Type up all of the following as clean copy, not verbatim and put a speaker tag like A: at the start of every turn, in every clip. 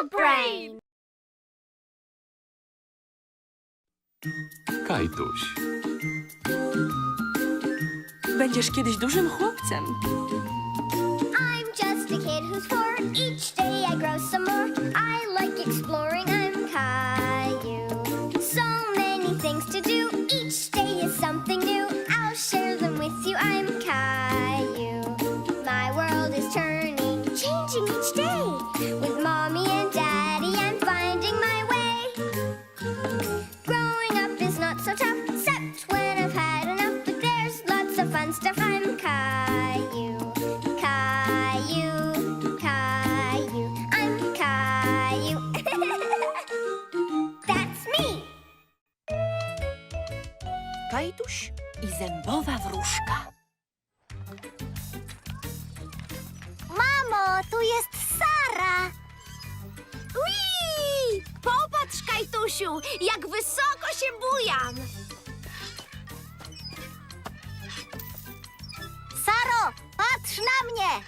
A: your brain.
B: Kajtuś.
C: Będziesz kiedyś dużym chłopcem.
A: I'm just a kid who's 4. Each day I grow some more. I like exploring. I'm Caillou. So many things to do. Each day is something new. I'll share them with you. I'm Caillou. My world is turning, changing each day. With mommy and daddy, I'm finding my way. Growing up is not so tough, except when I've had enough. But there's lots of fun stuff. I'm Caillou. Caillou, Caillou, I'm Caillou. That's me.
C: Kajtuś i zębowa wróżka.
A: Mamo, tu jest Sara. Ui! Popatrz, Kajtusiu, jak wysoko się bujam. Saro, patrz na mnie.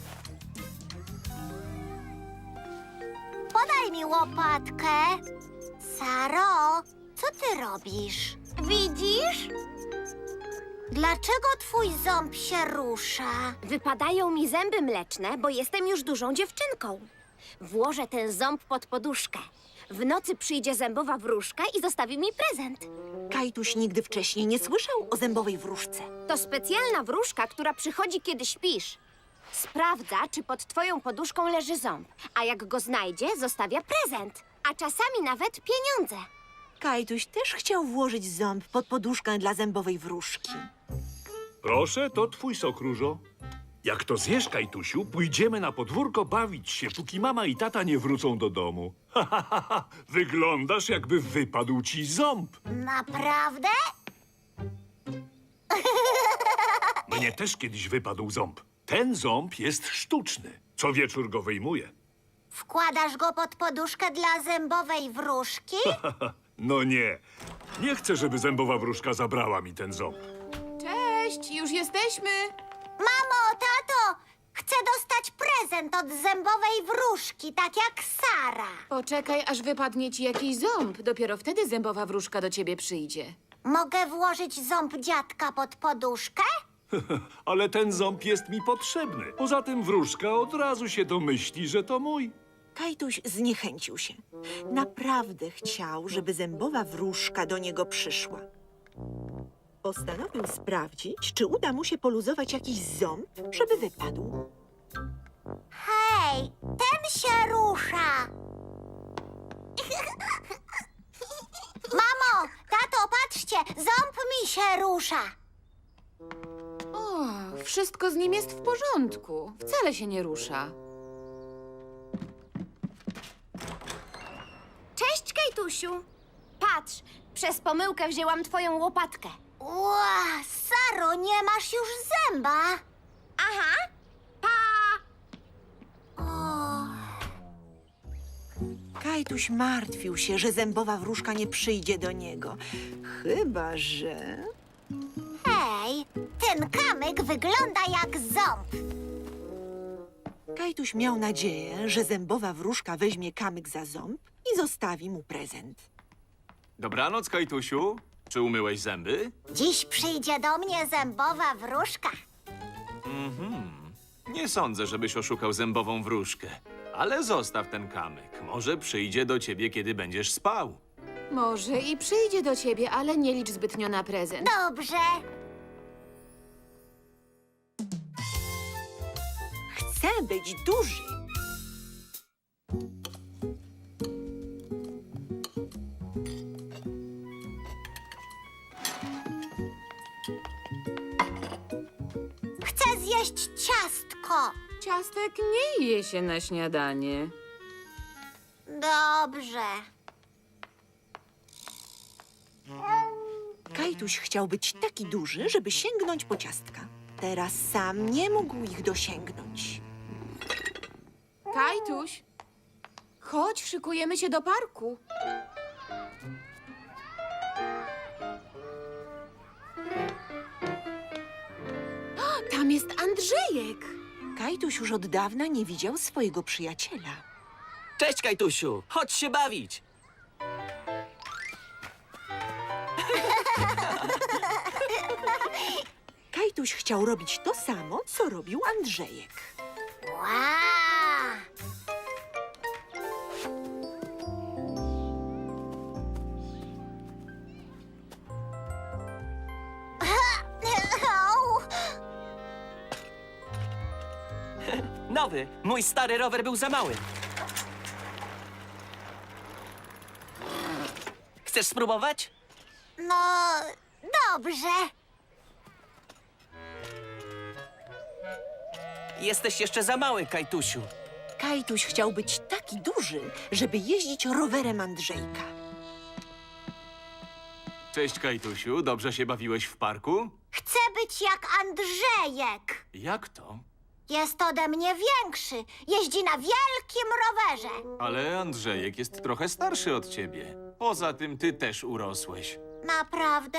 A: Podaj mi łopatkę. Saro, co ty robisz? Widzisz? Dlaczego twój ząb się rusza?
D: Wypadają mi zęby mleczne, bo jestem już dużą dziewczynką. Włożę ten ząb pod poduszkę. W nocy przyjdzie zębowa wróżka i zostawi mi prezent.
C: Kajtuś nigdy wcześniej nie słyszał o zębowej wróżce.
D: To specjalna wróżka, która przychodzi, kiedy śpisz. Sprawdza, czy pod twoją poduszką leży ząb, a jak go znajdzie, zostawia prezent, a czasami nawet pieniądze.
C: Kajtuś też chciał włożyć ząb pod poduszkę dla zębowej wróżki.
E: Proszę, to twój sok, Różo. Jak to zjesz, Kajtusiu, pójdziemy na podwórko bawić się, póki mama i tata nie wrócą do domu. Ha, ha, ha, ha. Wyglądasz, jakby wypadł ci ząb.
A: Naprawdę?
E: Mnie też kiedyś wypadł ząb. Ten ząb jest sztuczny. Co wieczór go wyjmuję.
A: Wkładasz go pod poduszkę dla zębowej wróżki?
E: No nie. Nie chcę, żeby zębowa wróżka zabrała mi ten ząb.
F: Cześć, już jesteśmy.
A: Mamo, tato, chcę dostać prezent od zębowej wróżki, tak jak Sara.
F: Poczekaj, aż wypadnie ci jakiś ząb. Dopiero wtedy zębowa wróżka do ciebie przyjdzie.
A: Mogę włożyć ząb dziadka pod poduszkę?
E: Ale ten ząb jest mi potrzebny. Poza tym wróżka od razu się domyśli, że to mój.
C: Kajtuś zniechęcił się. Naprawdę chciał, żeby zębowa wróżka do niego przyszła. Postanowił sprawdzić, czy uda mu się poluzować jakiś ząb, żeby wypadł.
A: Hej, ten się rusza. Mamo, tato, patrzcie, ząb mi się rusza.
F: O, wszystko z nim jest w porządku. Wcale się nie rusza.
D: Cześć, Kajtusiu! Patrz, przez pomyłkę wzięłam twoją łopatkę.
A: Ła, Saro, nie masz już zęba.
D: Aha, pa!
A: O,
C: Kajtuś martwił się, że zębowa wróżka nie przyjdzie do niego. Chyba że...
A: hej, ten kamyk wygląda jak ząb.
C: Kajtuś miał nadzieję, że zębowa wróżka weźmie kamyk za ząb i zostawi mu prezent.
B: Dobranoc, Kajtusiu. Czy umyłeś zęby?
A: Dziś przyjdzie do mnie zębowa wróżka.
B: Nie sądzę, żebyś oszukał zębową wróżkę. Ale zostaw ten kamyk. Może przyjdzie do ciebie, kiedy będziesz spał.
F: Może i przyjdzie do ciebie, ale nie licz zbytnio na prezent.
A: Dobrze.
C: Chcę być duży.
A: Chcę zjeść ciastko.
F: Ciastek nie je się na śniadanie.
A: Dobrze.
C: Kajtuś chciał być taki duży, żeby sięgnąć po ciastka. Teraz sam nie mógł ich dosięgnąć.
F: Kajtuś, chodź, szykujemy się do parku. O, tam jest Andrzejek.
C: Kajtuś już od dawna nie widział swojego przyjaciela.
G: Cześć, Kajtusiu! Chodź się bawić!
C: Kajtuś chciał robić to samo, co robił Andrzejek.
A: Wow! Au!
G: Nowy! Mój stary rower był za mały. Chcesz spróbować?
A: No, dobrze.
G: Jesteś jeszcze za mały, Kajtusiu.
C: Kajtuś chciał być taki duży, żeby jeździć rowerem Andrzejka.
B: Cześć, Kajtusiu. Dobrze się bawiłeś w parku?
A: Chcę być jak Andrzejek.
B: Jak to?
A: Jest ode mnie większy. Jeździ na wielkim rowerze.
B: Ale Andrzejek jest trochę starszy od ciebie. Poza tym ty też urosłeś.
A: Naprawdę?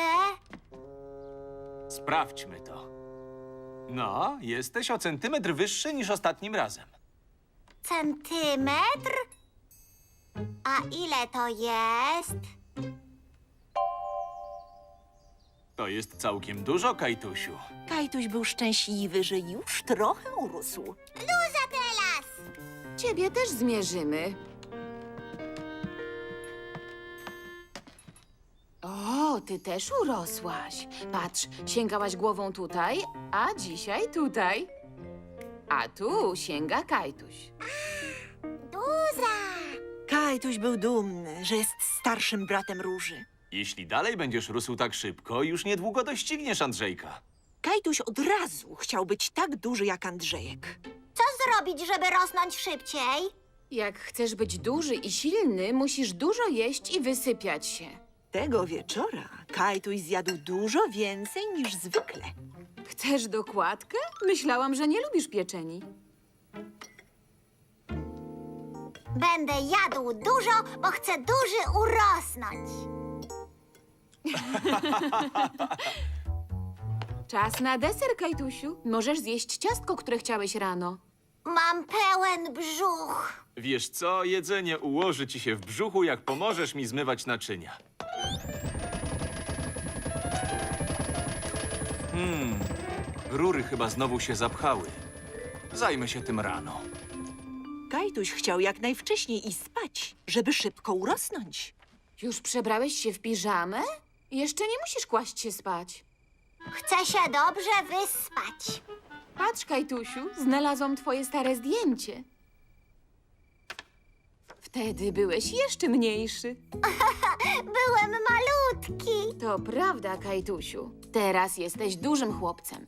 B: Sprawdźmy to. No, jesteś o centymetr wyższy niż ostatnim razem.
A: Centymetr? A ile to jest?
B: To jest całkiem dużo, Kajtusiu.
C: Kajtuś był szczęśliwy, że już trochę urósł.
A: Luza teraz!
F: Ciebie też zmierzymy. O, ty też urosłaś. Patrz, sięgałaś głową tutaj, a dzisiaj tutaj. A tu sięga Kajtuś.
A: Luza!
C: Kajtuś był dumny, że jest starszym bratem Róży.
B: Jeśli dalej będziesz rósł tak szybko, już niedługo dościgniesz Andrzejka.
C: Kajtuś od razu chciał być tak duży jak Andrzejek.
A: Co zrobić, żeby rosnąć szybciej?
F: Jak chcesz być duży i silny, musisz dużo jeść i wysypiać się.
C: Tego wieczora Kajtuś zjadł dużo więcej niż zwykle.
F: Chcesz dokładkę? Myślałam, że nie lubisz pieczeni.
A: Będę jadł dużo, bo chcę duży urosnąć.
F: Czas na deser, Kajtusiu. Możesz zjeść ciastko, które chciałeś rano.
A: Mam pełen brzuch.
B: Wiesz co? Jedzenie ułoży ci się w brzuchu, jak pomożesz mi zmywać naczynia. Rury chyba znowu się zapchały. Zajmę się tym rano.
C: Kajtuś chciał jak najwcześniej iść spać, żeby szybko urosnąć.
F: Już przebrałeś się w piżamę? Jeszcze nie musisz kłaść się spać.
A: Chcę się dobrze wyspać.
F: Patrz, Kajtusiu, znalazłam twoje stare zdjęcie. Wtedy byłeś jeszcze mniejszy.
A: Byłem malutki.
F: To prawda, Kajtusiu. Teraz jesteś dużym chłopcem.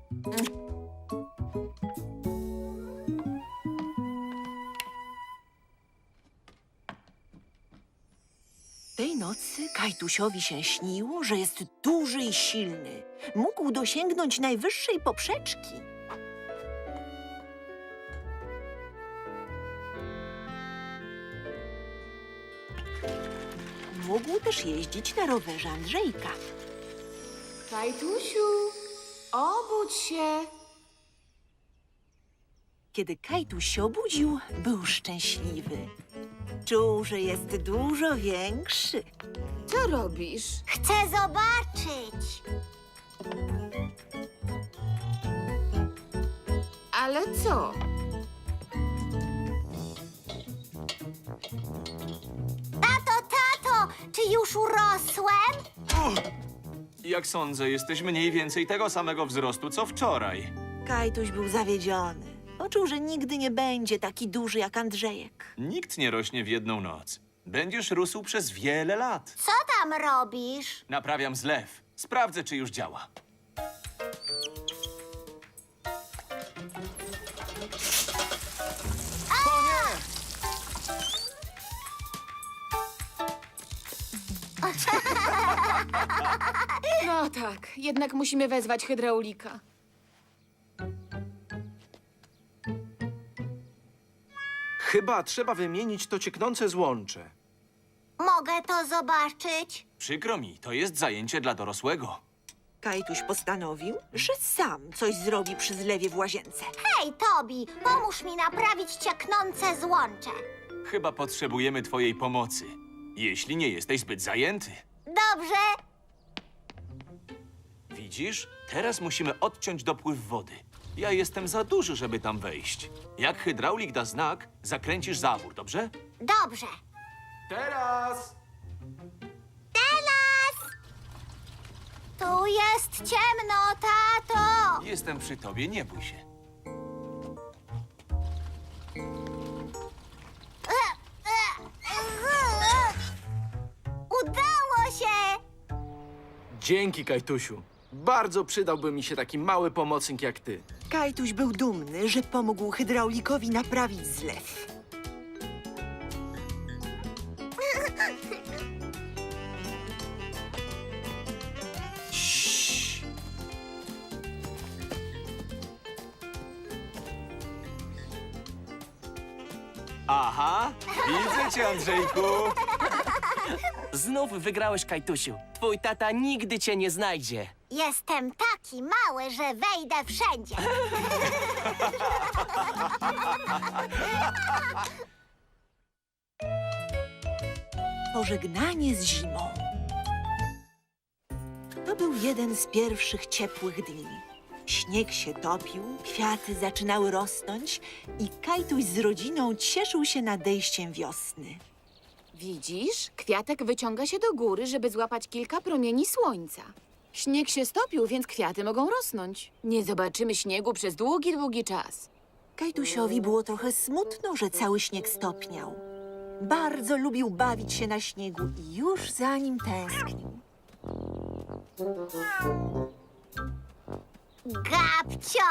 C: Tej nocy Kajtusiowi się śniło, że jest duży i silny. Mógł dosięgnąć najwyższej poprzeczki. Mógł też jeździć na rowerze Andrzejka.
F: Kajtusiu, obudź się.
C: Kiedy Kajtuś się obudził, był szczęśliwy. Czuł, że jest dużo większy.
F: Co robisz?
A: Chcę zobaczyć.
F: Ale co?
A: Tato, czy już urosłem?
B: Jak sądzę, jesteś mniej więcej tego samego wzrostu, co wczoraj.
C: Kajtuś był zawiedziony. Poczuł, że nigdy nie będzie taki duży jak Andrzejek.
B: Nikt nie rośnie w jedną noc. Będziesz rósł przez wiele lat.
A: Co tam robisz?
B: Naprawiam zlew. Sprawdzę, czy już działa.
F: No tak, jednak musimy wezwać hydraulika.
H: Chyba trzeba wymienić to cieknące złącze.
A: Mogę to zobaczyć?
B: Przykro mi, to jest zajęcie dla dorosłego.
C: Kajtuś postanowił, że sam coś zrobi przy zlewie w łazience.
A: Hej, Tobi, pomóż mi naprawić cieknące złącze.
B: Chyba potrzebujemy twojej pomocy. Jeśli nie jesteś zbyt zajęty.
A: Dobrze.
B: Widzisz? Teraz musimy odciąć dopływ wody. Ja jestem za duży, żeby tam wejść. Jak hydraulik da znak, zakręcisz zawór, dobrze?
A: Dobrze.
B: Teraz!
A: Teraz! Tu jest ciemno, tato.
B: Jestem przy tobie, nie bój się.
A: Udało się!
H: Dzięki, Kajtusiu. Bardzo przydałby mi się taki mały pomocnik jak ty.
C: Kajtuś był dumny, że pomógł hydraulikowi naprawić zlew.
B: Aha, widzę cię, Andrzejku.
G: Znów wygrałeś, Kajtusiu. Twój tata nigdy cię nie znajdzie.
A: Jestem taki mały, że wejdę wszędzie.
C: Pożegnanie z zimą. To był jeden z pierwszych ciepłych dni. Śnieg się topił, kwiaty zaczynały rosnąć i Kajtuś z rodziną cieszył się nadejściem wiosny.
F: Widzisz? Kwiatek wyciąga się do góry, żeby złapać kilka promieni słońca. Śnieg się stopił, więc kwiaty mogą rosnąć. Nie zobaczymy śniegu przez długi, długi czas.
C: Kajtusiowi było trochę smutno, że cały śnieg stopniał. Bardzo lubił bawić się na śniegu i już za nim tęsknił.
A: Gabcio!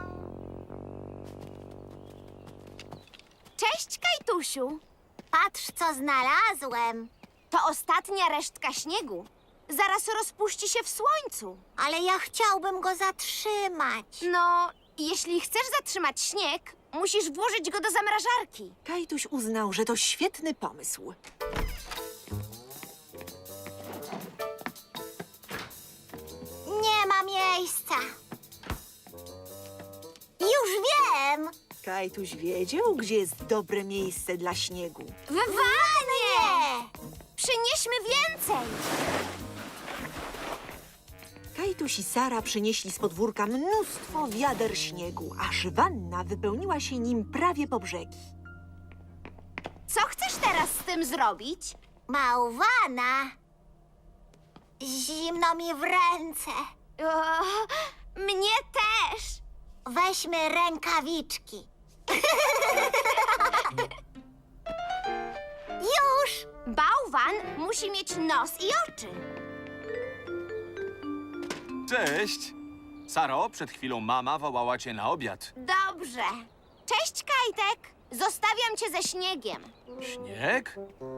D: Cześć, Kajtusiu.
A: Patrz, co znalazłem.
D: To ostatnia resztka śniegu. Zaraz rozpuści się w słońcu.
A: Ale ja chciałbym go zatrzymać.
D: No, jeśli chcesz zatrzymać śnieg, musisz włożyć go do zamrażarki.
C: Kajtuś uznał, że to świetny pomysł.
A: Nie ma miejsca. Już wiem.
C: Kajtuś wiedział, gdzie jest dobre miejsce dla śniegu.
D: W wanie! Przynieśmy więcej.
C: Kajtuś i Sara przynieśli z podwórka mnóstwo wiader śniegu, aż wanna wypełniła się nim prawie po brzegi.
D: Co chcesz teraz z tym zrobić?
A: Bałwana. Zimno mi w ręce.
D: O, mnie też.
A: Weźmy rękawiczki. Już!
D: Bałwan musi mieć nos i oczy.
B: Cześć. Saro, przed chwilą mama wołała cię na obiad.
D: Dobrze. Cześć, Kajtek. Zostawiam cię ze śniegiem.
B: Śnieg?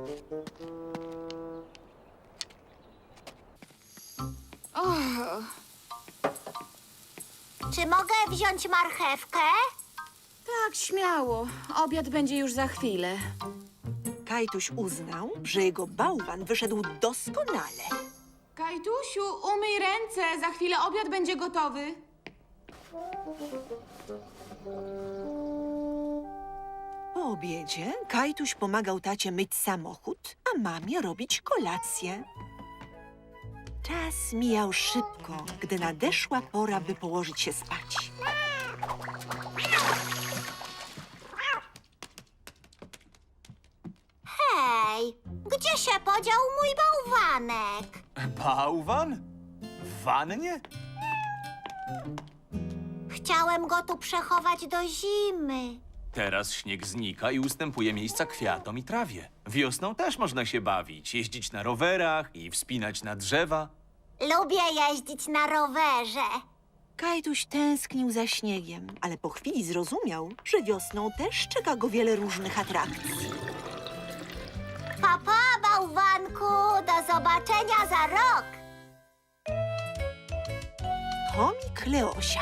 A: Czy mogę wziąć marchewkę?
F: Tak, śmiało. Obiad będzie już za chwilę.
C: Kajtuś uznał, że jego bałwan wyszedł doskonale.
F: Kajtusiu, umyj ręce. Za chwilę obiad będzie gotowy.
C: Po obiedzie Kajtuś pomagał tacie myć samochód, a mamie robić kolację. Czas mijał szybko, gdy nadeszła pora, by położyć się spać.
A: Hej, gdzie się podział mój bałwanek?
B: Bałwan? W wannie?
A: Chciałem go tu przechować do zimy.
B: Teraz śnieg znika i ustępuje miejsca kwiatom i trawie. Wiosną też można się bawić, jeździć na rowerach i wspinać na drzewa.
A: Lubię jeździć na rowerze.
C: Kajtuś tęsknił za śniegiem, ale po chwili zrozumiał, że wiosną też czeka go wiele różnych atrakcji.
A: Papa, bałwanku, do zobaczenia za rok.
C: Chomik Leosia.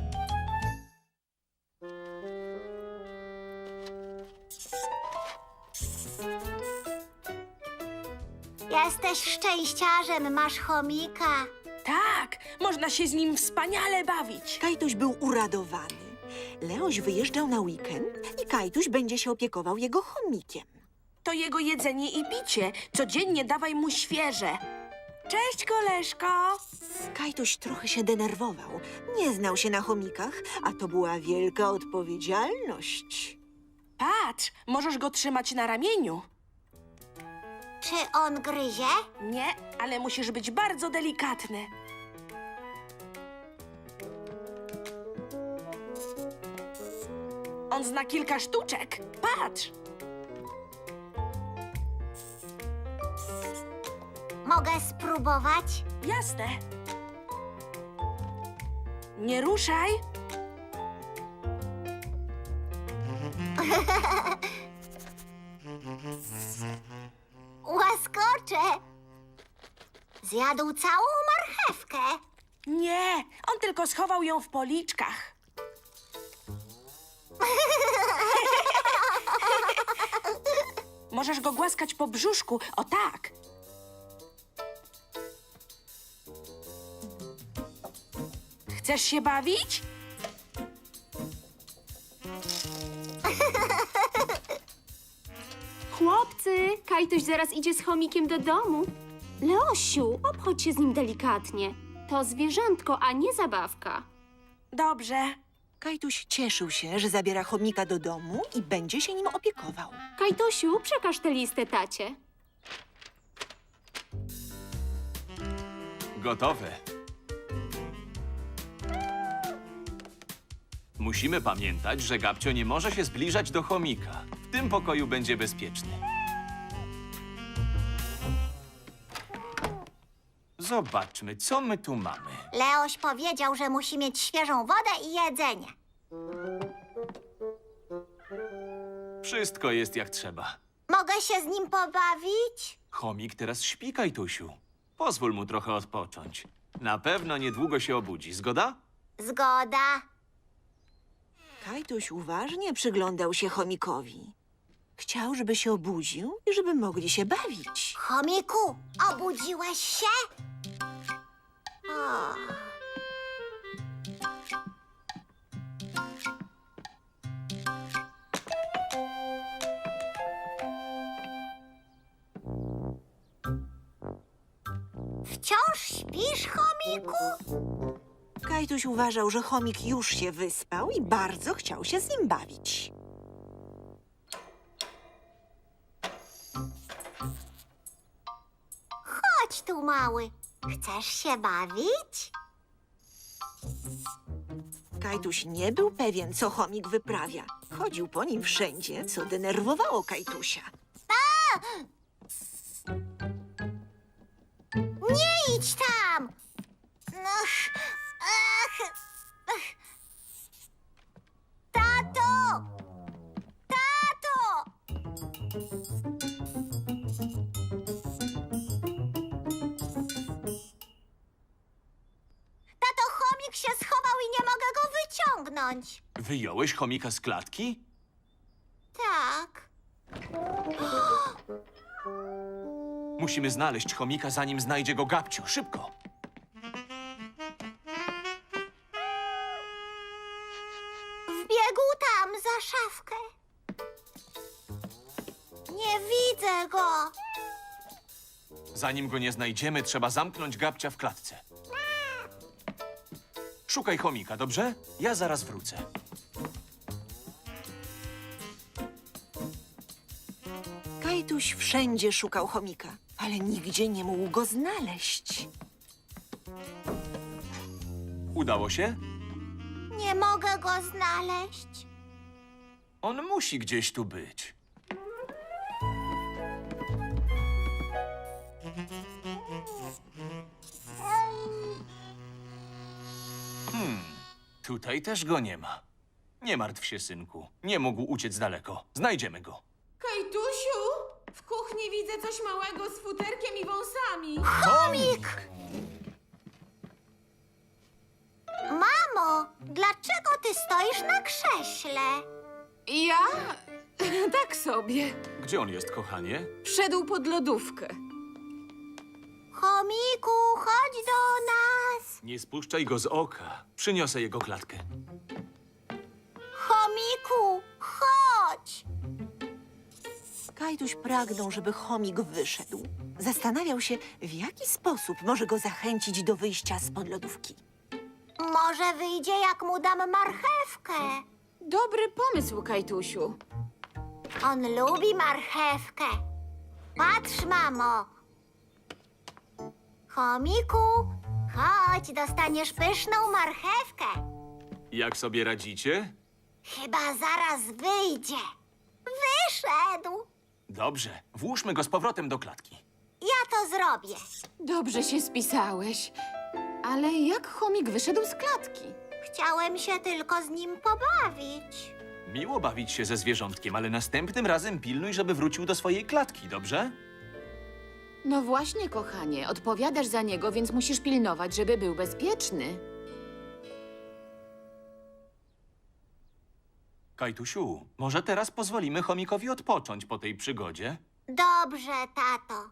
A: Jesteś szczęściarzem, masz chomika.
I: Tak, można się z nim wspaniale bawić.
C: Kajtuś był uradowany. Leoś wyjeżdżał na weekend i Kajtuś będzie się opiekował jego chomikiem.
I: To jego jedzenie i picie. Codziennie dawaj mu świeże. Cześć, koleżko.
C: Kajtuś trochę się denerwował. Nie znał się na chomikach, a to była wielka odpowiedzialność.
I: Patrz, możesz go trzymać na ramieniu.
A: Czy on gryzie?
I: Nie, ale musisz być bardzo delikatny. On zna kilka sztuczek. Patrz.
A: Mogę spróbować?
I: Jasne. Nie ruszaj.
A: Łaskocze! Zjadł całą marchewkę.
I: Nie, on tylko schował ją w policzkach. Możesz go głaskać po brzuszku, o tak. Chcesz się bawić?
J: Chłopcy, Kajtuś zaraz idzie z chomikiem do domu. Leosiu, obchodź się z nim delikatnie. To zwierzątko, a nie zabawka.
I: Dobrze.
C: Kajtuś cieszył się, że zabiera chomika do domu i będzie się nim opiekował.
J: Kajtusiu, przekaż tę listę tacie.
B: Gotowe. Musimy pamiętać, że Gabcio nie może się zbliżać do chomika. W tym pokoju będzie bezpieczny. Zobaczmy, co my tu mamy.
A: Leoś powiedział, że musi mieć świeżą wodę i jedzenie.
B: Wszystko jest jak trzeba.
A: Mogę się z nim pobawić?
B: Chomik teraz śpi, Kajtusiu. Pozwól mu trochę odpocząć. Na pewno niedługo się obudzi. Zgoda?
A: Zgoda.
C: Kajtuś uważnie przyglądał się chomikowi. Chciał, żeby się obudził i żeby mogli się bawić.
A: Chomiku, obudziłeś się? O. Wciąż śpisz, chomiku?
C: Kajtuś uważał, że chomik już się wyspał i bardzo chciał się z nim bawić.
A: Chodź tu, mały. Chcesz się bawić?
C: Kajtuś nie był pewien, co chomik wyprawia. Chodził po nim wszędzie, co denerwowało Kajtusia.
A: Nie idź tam! Ach, ach, ach. Tato! Tato! Tato, chomik się schował i nie mogę go wyciągnąć.
B: Wyjąłeś chomika z klatki?
A: Tak.
B: Musimy znaleźć chomika, zanim znajdzie go Gabcio. Szybko!
A: Wbiegł tam za szafkę. Nie widzę go.
B: Zanim go nie znajdziemy, trzeba zamknąć Gabcia w klatce. Szukaj chomika, dobrze? Ja zaraz wrócę.
C: Kajtuś wszędzie szukał chomika, ale nigdzie nie mógł go znaleźć.
B: Udało się?
A: Nie mogę go znaleźć.
B: On musi gdzieś tu być. Tutaj też go nie ma. Nie martw się, synku. Nie mógł uciec daleko. Znajdziemy go.
F: Kajtusiu, w kuchni widzę coś małego z futerkiem i wąsami.
B: Chomik!
A: Mamo, dlaczego ty stoisz na krześle?
F: Ja? Tak sobie.
B: Gdzie on jest, kochanie?
F: Wszedł pod lodówkę.
A: Chomiku, chodź do nas.
B: Nie spuszczaj go z oka. Przyniosę jego klatkę.
A: Chomiku, chodź.
C: Kajtuś pragnął, żeby chomik wyszedł. Zastanawiał się, w jaki sposób może go zachęcić do wyjścia spod lodówki.
A: Może wyjdzie, jak mu dam marchewkę.
F: Dobry pomysł, Kajtusiu.
A: On lubi marchewkę. Patrz, mamo. Chomiku, chodź, dostaniesz pyszną marchewkę.
B: Jak sobie radzicie?
A: Chyba zaraz wyjdzie. Wyszedł.
B: Dobrze, włóżmy go z powrotem do klatki.
A: Ja to zrobię.
F: Dobrze się spisałeś. Ale jak chomik wyszedł z klatki?
A: Chciałem się tylko z nim pobawić.
B: Miło bawić się ze zwierzątkiem, ale następnym razem pilnuj, żeby wrócił do swojej klatki, dobrze?
F: No właśnie, kochanie, odpowiadasz za niego, więc musisz pilnować, żeby był bezpieczny.
B: Kajtusiu, może teraz pozwolimy chomikowi odpocząć po tej przygodzie?
A: Dobrze, tato.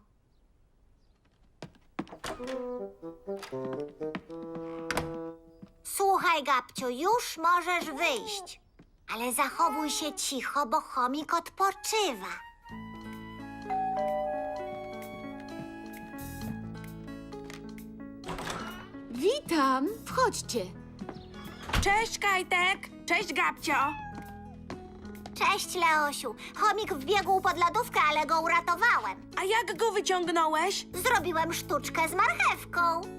A: Słuchaj, Gabciu, już możesz wyjść. Ale zachowuj się cicho, bo chomik odpoczywa.
F: Witam, wchodźcie.
I: Cześć, Kajtek. Cześć, Gabcio.
A: Cześć, Leosiu. Chomik wbiegł pod lodówkę, ale go uratowałem.
I: A jak go wyciągnąłeś?
A: Zrobiłem sztuczkę z marchewką.